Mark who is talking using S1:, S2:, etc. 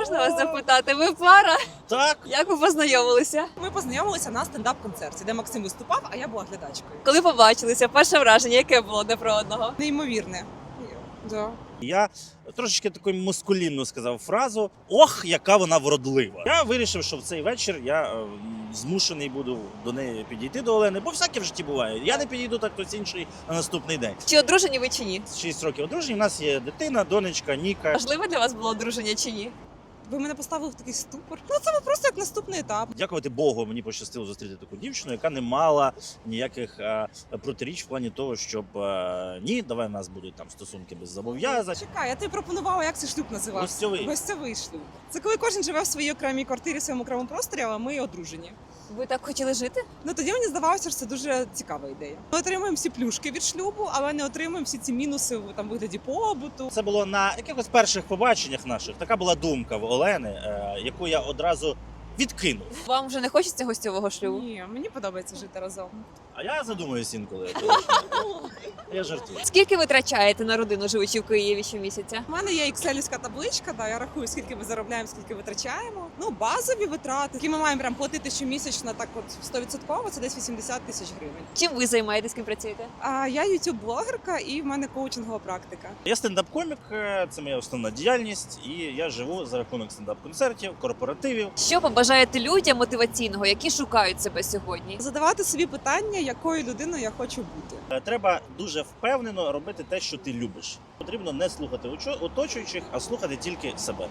S1: Можна вас запитати, ви пара?
S2: Так,
S1: Як ви познайомилися?
S3: Ми познайомилися на стендап-концерті, де Максим виступав, а я була глядачкою.
S1: Коли побачилися, перше враження, яке було одне про одного?
S3: Неймовірне. Да.
S2: я трошечки таку мускулінну сказав фразу: ох, яка вона вродлива. Я вирішив, що в цей вечір я змушений буду до неї підійти до Олени, бо всяке в житті буває. Я не підійду, так хтось інший на наступний день.
S1: Чи одружені ви чи ні?
S2: 6 років одружені, у нас є дитина, донечка, Ніка.
S1: Важливо для вас було одруження чи ні?
S3: Ви мене поставили в такий ступор. Ну це просто як наступний етап.
S2: Дякувати Богу, мені пощастило зустріти таку дівчину, яка не мала ніяких протиріч в плані того, щоб ні, давай у нас будуть там стосунки без зобов'язань.
S3: Чекай, я тобі пропонувала, як цей шлюб називався?
S2: Гостьовий.
S3: Гостьовий шлюб. Це коли кожен живе в своїй окремій квартирі, в своєму окремому просторі, але ми одружені.
S1: Ви так хотіли жити?
S3: Ну тоді мені здавалося, що це дуже цікава ідея. Ми отримуємо всі плюшки від шлюбу, але не отримуємо всі ці мінуси в там вигляді побуту.
S2: Це було на якихось перших побаченнях наших. Така була думка в Олени, яку я одразу відкинув.
S1: Вам вже не хочеться гостьового шлюбу?
S3: Ні, мені подобається жити разом.
S2: А я задумуюсь інколи. Я жартую.
S1: Скільки ви витрачаєте на родину, живучи в Києві щомісяця?
S3: У мене є екселівська табличка, да, я рахую, скільки ми заробляємо, скільки витрачаємо. Ну, базові витрати, які ми маємо прям платити щомісячно, так от 100%, це десь 80 тисяч гривень.
S1: Чим ви займаєтесь, ким працюєте?
S3: А я ютуб-блогерка і в мене коучингова практика.
S2: Я стендап-комік, це моя основна діяльність, і я живу за рахунок стендап-концертів, корпоративів.
S1: Що побажаєте людям мотиваційного, які шукають себе сьогодні?
S3: Задавати собі питання, якою людиною я хочу бути.
S2: Треба дуже впевнено робити те, що ти любиш. Потрібно не слухати оточуючих, а слухати тільки себе.